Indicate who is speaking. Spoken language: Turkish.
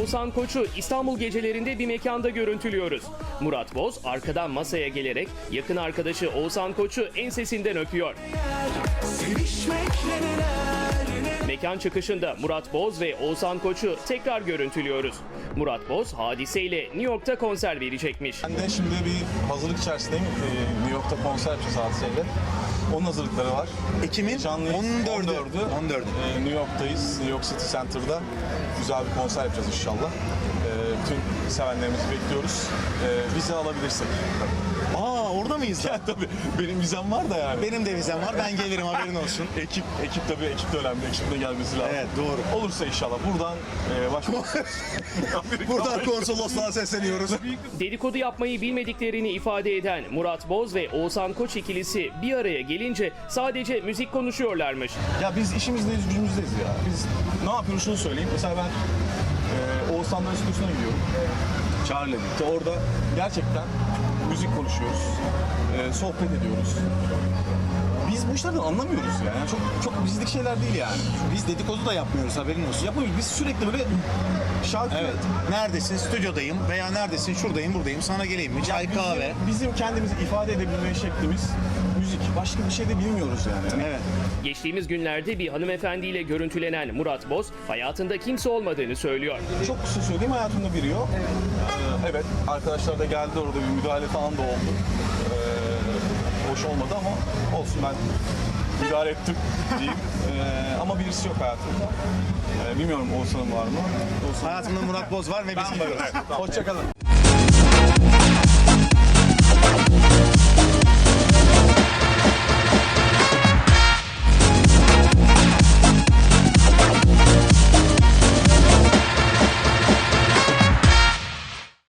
Speaker 1: Oğuzhan Koç'u İstanbul gecelerinde bir mekanda görüntülüyoruz. Murat Boz arkadan masaya gelerek yakın arkadaşı Oğuzhan Koç'u ensesinden öpüyor. Mekan çıkışında Murat Boz ve Oğuzhan Koç'u tekrar görüntülüyoruz. Murat Boz hadiseyle New York'ta konser verecekmiş.
Speaker 2: Ben de şimdi bir hazırlık içerisindeyim. New York'ta konser yapacağız hadiseyle. Onun hazırlıkları var.
Speaker 3: Ekim'in 14'ü.
Speaker 2: New York'tayız. New York City Center'da güzel bir konser yapacağız inşallah. Tüm sevenlerimizi bekliyoruz. Vize alabilirsek.
Speaker 3: Orada mıyız?
Speaker 2: Ya tabii benim vizem var da yani.
Speaker 3: Benim de vizem var. Ben gelirim, haberin olsun.
Speaker 2: Ekip de önemli. Ekip de gelmesi lazım.
Speaker 3: Evet, doğru.
Speaker 2: Olursa inşallah buradan
Speaker 3: Buradan konsolosluğa sesleniyoruz.
Speaker 2: Dedikodu
Speaker 1: Yapmayı bilmediklerini ifade eden Murat Boz ve Oğuzhan Koç ikilisi bir araya gelince sadece müzik konuşuyorlarmış.
Speaker 2: Ya biz işimizdeyiz, gücümüzdeyiz ya. Biz ne yapıyoruz şunu söyleyeyim. Mesela ben Oğuzhan'ların stüdyosuna gidiyorum. Çağrı'yla birlikte. Orada gerçekten müzik konuşuyoruz. Sohbet ediyoruz. Biz bu işlerden anlamıyoruz yani. Çok bizlik şeyler değil yani.
Speaker 3: Biz dedikodu da yapmıyoruz, haberin olsun.
Speaker 2: Yapmıyoruz. Biz sürekli böyle şarkı...
Speaker 3: Evet. Neredesin? Stüdyodayım veya neredesin? Şuradayım, buradayım. Sana geleyim mi? Çay, kahve.
Speaker 2: Bizim kendimizi ifade edebilme şeklimiz müzik. Başka bir şey de bilmiyoruz yani.
Speaker 3: Evet.
Speaker 1: Geçtiğimiz günlerde bir hanımefendiyle görüntülenen Murat Boz hayatında kimse olmadığını söylüyor.
Speaker 2: Çok kısa söyleyeyim, hayatımda biri yok. Evet, arkadaşlar da geldi, orada bir müdahale falan da oldu. Hoş olmadı ama olsun, ben müdahale ettim diyeyim. Ama birisi yok hayatımda. Bilmiyorum Oğuzhan'ın var mı?
Speaker 3: Hayatımda Murat Boz var ve biz gidiyoruz.
Speaker 2: Hoşça kalın.